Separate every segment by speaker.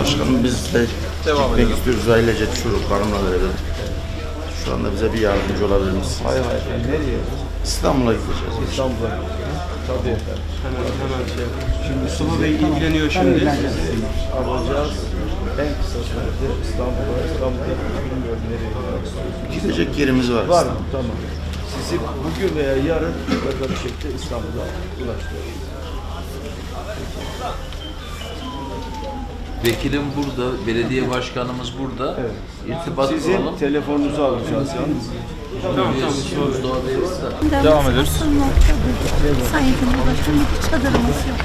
Speaker 1: Başkanım biz de gitmek istiyoruz ailece çocuklarımla beraber. Şu anda bize bir yardımcı olabilir misiniz?
Speaker 2: Hayır. Nereye?
Speaker 1: İstanbul'a gideceğiz.
Speaker 2: İstanbul'a. Tabii efendim.
Speaker 3: Hemen şey yapalım. Şimdi Mustafa Bey ilgileniyor şimdi.
Speaker 2: Alacağız. En kısa sürede İstanbul'da bilmiyorum nereye gitmek istiyorsunuz.
Speaker 1: Gidecek yerimiz var.
Speaker 2: Var mı? Tamam. Sizi bugün veya yarın mutlaka bir şekilde İstanbul'a ulaştırıyoruz.
Speaker 4: Vekilim burada, belediye başkanımız burada.
Speaker 2: Evet.
Speaker 4: İrtibat
Speaker 2: Sizin
Speaker 4: kuralım.
Speaker 2: telefonunuzu alacağız yalnız.
Speaker 5: Devam ediyoruz. Sayın Cumhurbaşkanı bir çadırımız yok.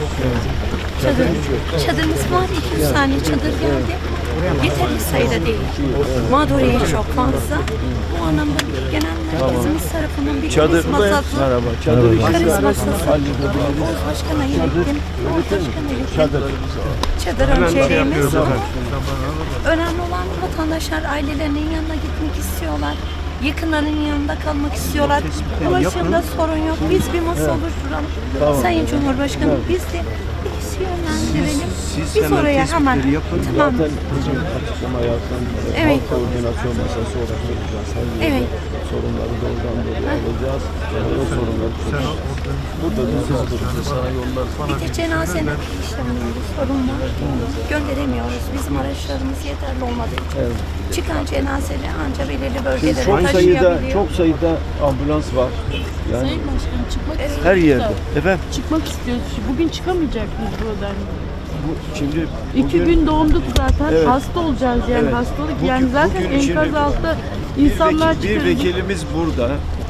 Speaker 5: Çadırımız var, 200 tane çadır geldi. Yeterli sayıda değil. Mağduriye çok fazla. Bu anlamda genel merkezimiz tarafından bir kriz masası.
Speaker 2: Merhaba. Çadır
Speaker 5: Kriz masası. Oğuz Başkan'a ilettim. Oğuz Başkan'a ilettim. Çadır önceliğimiz. Önemli olan vatandaşlar ailelerinin yanına gitmek istiyorlar. Yakınlarının yanında kalmak istiyorlar. Ulaşımda sorun yok. Biz bir masa oluşturalım. Sayın Cumhurbaşkanım biz de birisi yönlendirelim. Biz oraya hemen tamam.
Speaker 2: Zaten bizim açıklama yaptan
Speaker 5: Evet.
Speaker 2: koordinasyon masası oluşturacağız.
Speaker 5: Evet.
Speaker 2: Sorunları doğrudan doğruya alacağız. O sorunları çözeceğiz. Burada da sana yollar
Speaker 5: Bir de cenazenin işlemlerinde sorun var. Gönderemiyoruz. Bizim araçlarımız yeterli olmadığı için. Çıkan cenazeleri ancak belirli bölgelere taşıyabiliyor.
Speaker 2: çok sayıda ambulans var. Yani
Speaker 6: Sayın Başkanım çıkmak istiyoruz.
Speaker 2: her yerde. Efendim
Speaker 6: Çıkmak istiyoruz. Bugün çıkamayacak mıyız buradan?
Speaker 2: şimdi
Speaker 6: İki gün doğumduk zaten.
Speaker 2: Evet.
Speaker 6: Hasta olacağız yani
Speaker 2: Evet.
Speaker 6: hastalık.
Speaker 2: Bugün-
Speaker 6: Yani zaten
Speaker 2: bugün
Speaker 6: enkaz
Speaker 2: şimdi
Speaker 6: altta insanlar
Speaker 2: bir
Speaker 6: çıkıyor.
Speaker 2: vekilimiz burada.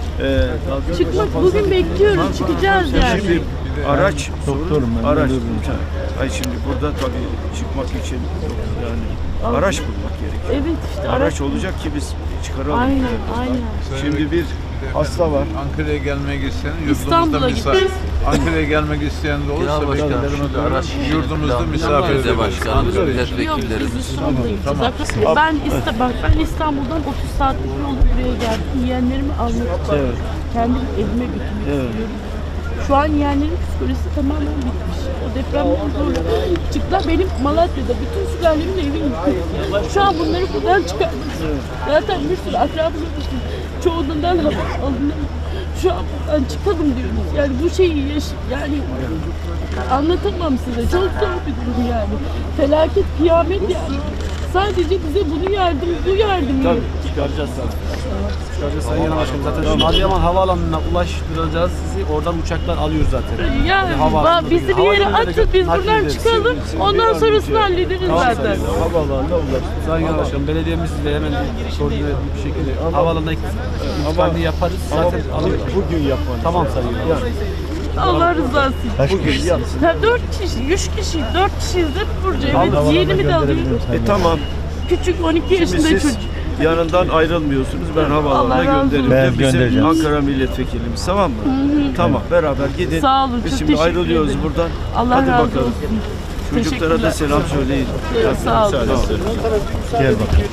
Speaker 6: Çıkmak bugün bekliyoruz. Çıkacağız yani.
Speaker 2: Şimdi araç sorun, araç. Ay şimdi burada tabii çıkmak için yani araç bulmak gerekiyor.
Speaker 6: Evet işte
Speaker 2: Araç olacak ki biz çıkaralım.
Speaker 6: Aynen.
Speaker 2: Şimdi bir hasta var.
Speaker 7: Ankara'ya gelmek isteyen
Speaker 6: İstanbul'a
Speaker 7: yurdumuzda
Speaker 6: gideceğiz.
Speaker 7: Ankara'ya gelmek isteyen de olursa
Speaker 4: Genel başkanım,
Speaker 7: araç yurdumuzda misafir
Speaker 4: belediye
Speaker 7: ederiz.
Speaker 4: başkanımız,
Speaker 6: Yok biz
Speaker 4: milletvekillerimiz.
Speaker 6: İstanbul'a gideceğiz. Ben İstanbul'dan 30 saatlik yolu buraya geldim. Yeğenlerimi almak için.
Speaker 2: Evet.
Speaker 6: Kendim evime götürmek istiyorum. Şu an yeğenlerin psikolojisi tamamen bitmiş. O depremden sonra çıktılar. Benim Malatya'da bütün sülalemin evi yıkıldı. Şu an bunları buradan çıkarmak istiyorum. Zaten bir sürü akrabım işte. Çoğundan haber alınıyor. Şu an buradan çıkalım diyoruz. Yani bu şeyi yani anlatamam size. Çok zor bir durum yani. Felaket, kıyamet yani. Sadece bize bu yardım.
Speaker 2: Çıkaracağız zaten.
Speaker 8: Çıkaracağız Sayın Genel Başkanım. Zaten şu Adıyaman Havaalanı'na ulaştıracağız sizi. Oradan uçaklar alıyor zaten.
Speaker 6: Yani
Speaker 8: Havaalanında
Speaker 6: bizi bir yere atın, biz buradan çıkalım. Ondan sonrasını hallederiz zaten.
Speaker 2: Havaalanına ulaştı.
Speaker 8: Sayın Genel Başkanım, belediyemiz sizle hemen koordine bir şekilde havaalanına intikalini yaparız. Zaten alıyorlar.
Speaker 2: Bugün yapmanız.
Speaker 8: Tamam Sayın Genel Başkanım.
Speaker 6: Allah rızası için.
Speaker 2: Bugün yapsın.
Speaker 6: 4 kişi, 3 kişi, 4 kişiyiz de Burcu. Evet, yeğenimi de alıyorum.
Speaker 2: Tamam.
Speaker 6: Küçük 12 yaşında
Speaker 2: Siz
Speaker 6: çocuk.
Speaker 2: yanından ayrılmıyorsunuz. Ben havaalanına
Speaker 6: Allah razı
Speaker 2: gönderirim.
Speaker 6: olsun.
Speaker 2: Bizim Ankara milletvekilimiz, tamam mı? Tamam, beraber gidin.
Speaker 6: Sağ olun,
Speaker 2: Biz
Speaker 6: çok
Speaker 2: şimdi
Speaker 6: teşekkür
Speaker 2: ayrılıyoruz
Speaker 6: ederim.
Speaker 2: buradan.
Speaker 6: Allah
Speaker 2: Hadi
Speaker 6: razı
Speaker 2: bakalım.
Speaker 6: olsun.
Speaker 2: Çocuklara da
Speaker 6: Teşekkürler.
Speaker 2: selam söyleyin.
Speaker 6: Sağ olun.
Speaker 1: Gel bakalım.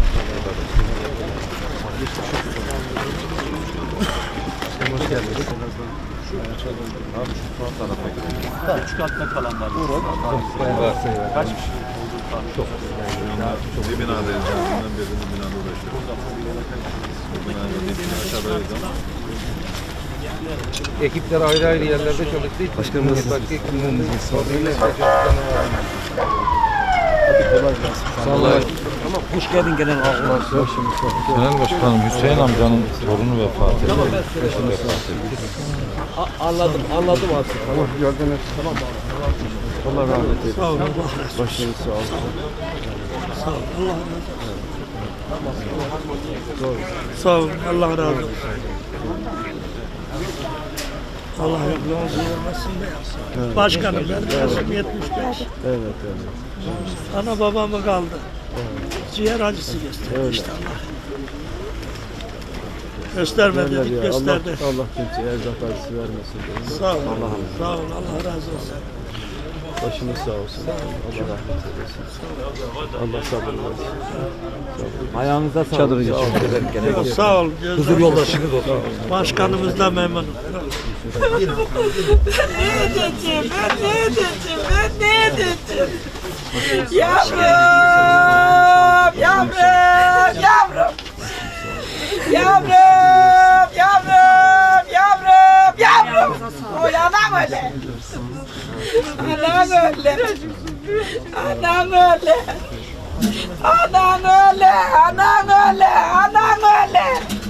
Speaker 8: Küçük altta kalanlar. Kaç kişi? Çok.
Speaker 7: Bir binadayız. Canından beri bu binada uğraşıyoruz. Bu binada aşağıdayız ama.
Speaker 9: Ekipler ayrı ayrı yerlerde çalıştığı için başkanım nasılsınız?
Speaker 2: Sağ olun.
Speaker 8: Hoş geldin genel başkanım.
Speaker 9: Genel Başkanım Hüseyin amcanın torunu vefat etti.
Speaker 8: Anladım artık.
Speaker 2: Tamam, gördünüz. Tamam. Allah rahmet eylesin. Sağ olun. Başınız sağ olsun.
Speaker 8: Sağ ol. Allah razı olsun.
Speaker 10: Sağ ol, Allah razı olsun. Allah razı olmasın da yapsın.
Speaker 2: Evet.
Speaker 10: Başkanım benim yaşım 75.
Speaker 2: Evet.
Speaker 10: Ana babamı kaldı. Ciğer acısı gösterdi işte Allah. Gösterme dedik,
Speaker 2: Ya,
Speaker 10: gösterdi.
Speaker 2: Allah kimseye erzak acısı vermesin.
Speaker 10: Sağ ol, sağ ol, Allah razı olsun.
Speaker 2: Başınız sağ olsun. Allah rahmet eylesin. Allah sabır versin.
Speaker 8: Ayağınıza sağlık.
Speaker 9: Çadırı geçiyor.
Speaker 10: Sağ ol.
Speaker 8: Huzur yoldaşınız olsun.
Speaker 10: Başkanımız da memnun.
Speaker 5: Ne edeceğim? Yavrum!
Speaker 10: Yavrum, yavrum. Yavrum, yavrum, yavrum, yavrum. Oy anam öyle. Anam öyle. Anam öyle. Anam öyle, anam öyle, anam öyle.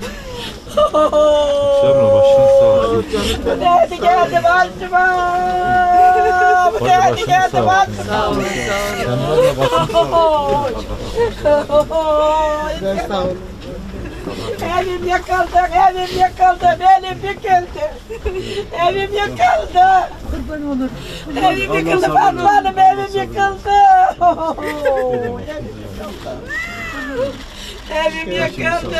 Speaker 9: Şamil başın sağ olsun.
Speaker 10: Bu nerede geldi başıma? Bu nerede geldi başıma?
Speaker 6: Sağ olun.
Speaker 9: Şamil başın sağ olsun.
Speaker 10: Evim yakıldı, evim yakıldı, benim yıkıldı. Evim yıkıldı.
Speaker 6: Kurban olur.
Speaker 10: Evim yıkıldı Fatma Hanım, evim yıkıldı. Evim yıkıldı.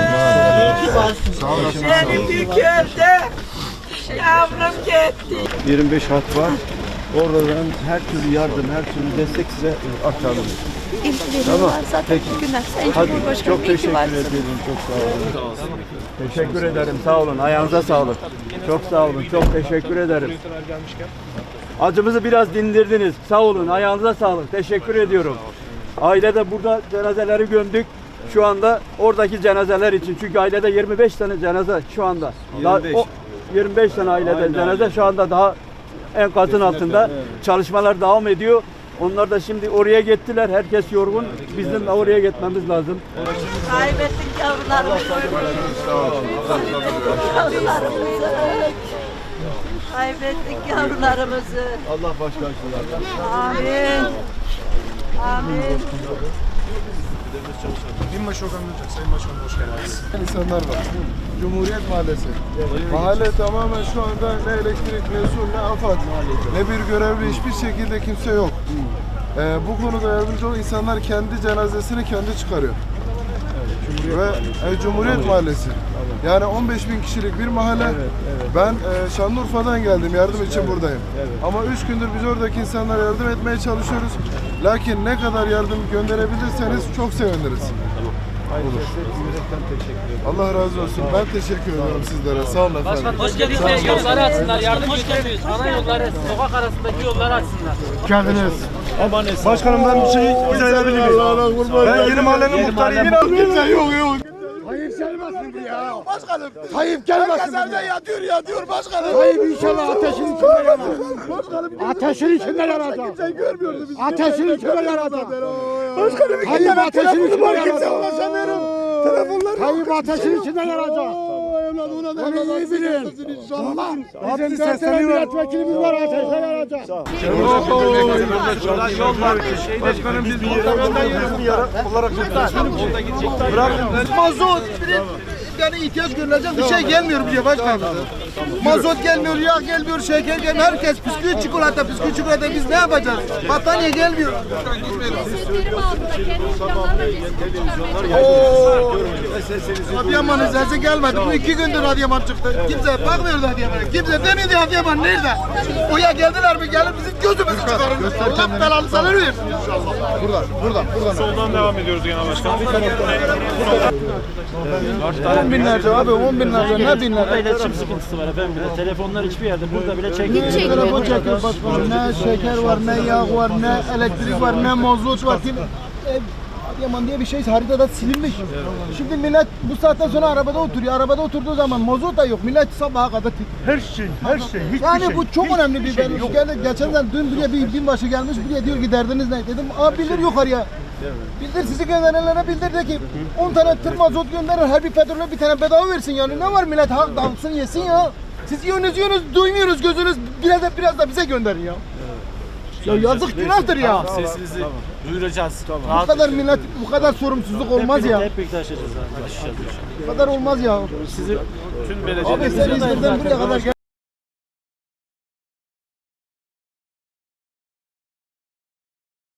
Speaker 10: Evim yıkıldı. Yavrum gitti.
Speaker 2: 25 hat var. Oradan her türlü yardım, her türlü destek size aktarılır.
Speaker 5: İlgileniyorlar zaten bugünler. Sayın
Speaker 2: Hadi
Speaker 5: Cumhurbaşkanım
Speaker 2: çok
Speaker 5: iyi ki
Speaker 2: teşekkür
Speaker 5: varsın.
Speaker 2: ederim. Çok sağ olun. Teşekkür ederim. Sağ olun. Ayağınıza sağlık. Çok sağ olun. Çok teşekkür ederim. Acımızı biraz dindirdiniz. Sağ olun. Ayağınıza sağlık. Teşekkür ediyorum. Ailede burada cenazeleri gömdük. Şu anda oradaki cenazeler için. Çünkü ailede 25 tane cenaze şu anda. 25 tane ailede cenaze şu anda daha enkazın altında. Çalışmalar devam ediyor. Onlar da şimdi oraya gittiler. Herkes yorgun. Bizim de oraya gitmemiz lazım.
Speaker 10: Kaybettik yavrularımızı. Kaybettik yavrularımızı.
Speaker 2: Allah başkarsın.
Speaker 10: Amin. Amin.
Speaker 7: Binbaşı Okan Gülcek, Sayın Başkanım hoş geldiniz.
Speaker 11: İnsanlar var. Cumhuriyet Mahallesi. Mahalle tamamen şu anda ne elektrik, ne su, ne AFAD, ne bir görevli, hiçbir şekilde kimse yok. Bu konuda yardımcı olan insanlar kendi cenazesini kendi çıkarıyor. Ve Cumhuriyet Mahallesi. Yani 15.000 kişilik bir mahalle. Ben Şanlıurfa'dan geldim, yardım için buradayım. Ama 3 gündür biz oradaki insanlara yardım etmeye çalışıyoruz. Lakin ne kadar yardım gönderebilirseniz çok seviniriz. Allah razı olsun. Ben teşekkür ediyorum sizlere. Sağ olun efendim.
Speaker 8: Hoş geldiniz. Yolları açsınlar. Yardım gönderiyoruz. Ana yolları, sokak arasındaki yolları açsınlar.
Speaker 11: Geldiniz.
Speaker 2: Başkanım ben bir şey izah edebilir miyim? Ben yeni mahallenin muhtarıyım.
Speaker 11: Kimse yok. Tayyip gelmesin bu ya. Başkanım. Tayyip gelmesin. Herkes evde yatıyor başkanım. Tayyip inşallah ateşin içinde yanar. Başkanım. Ateşin içinde yanacak. Kimse görmüyordu bizi. Ateşin içinde yanacak. Başkanım. Tayyip ateşin içinde yanacak. Telefonlar. Tayyip ateşin içinde yanacak. Onu iyi bilin. İnşallah. Bizim 4 tane milletvekilimiz var ateşe yanacak.
Speaker 2: Başkanım biz muhtarından yürüyoruz bir yara olarak bırakın.
Speaker 11: Mazot yani ihtiyaç görülecek bir şey gelmiyor buraya başkanım. Mazot gelmiyor, yağ gelmiyor, şeker gelmiyor. Herkes bisküvi çikolata biz ne yapacağız? Battaniye gelmiyor. Adıyaman izlesi gelmedi. Bu 2 gündür Adıyaman çıktı. Kimse bakmıyordu Adıyaman'a. Kimse demiyordu Adıyaman nerede? Oya geldiler mi? Gelip bizim gözümüzü çıkarın. Allah belanı sana versin. Buradan.
Speaker 7: Soldan devam ediyoruz Genel Başkanım.
Speaker 11: 10 binlerce abi, 10 binlerce, ne binlerce?
Speaker 8: İletişim sıkıntısı var efendim. Telefonlar hiçbir yerde. Burada bile çekmiyor.
Speaker 11: Telefon çekiyor başkanım. Ne şeker var, ne yağ var, ne elektrik var, ne mazot var. Adıyaman diye bir şey haritada silinmiş. Şimdi millet bu saatten sonra arabada oturuyor. Arabada oturduğu zaman mazot da yok. Millet sabaha kadar
Speaker 2: Her şey, hiçbir
Speaker 11: yani
Speaker 2: şey.
Speaker 11: bu çok önemli bir geçen sene dün buraya bir binbaşı gelmiş buraya diyor ki derdiniz ne? Dedim abi bildir yukarıya. Bildir sizi gönderenlere bildir de ki 10 tane tır mazot gönderir her bir petrole bir tane bedava versin yani ne var millet halk dalsın yesin ya. Siz yiyorsunuz duymuyoruz gözünüz biraz da bize gönderin ya. Ya yazık günahtır ya.
Speaker 8: Sesinizi duyuracağız.
Speaker 11: Bu kadar millet bu kadar sorumsuzluk olmaz ya.
Speaker 8: Hep birlikte aşacağız.
Speaker 11: Bu kadar olmaz ya.
Speaker 8: Sizi tüm
Speaker 11: Abi sen İzmir'den buraya kadar gel.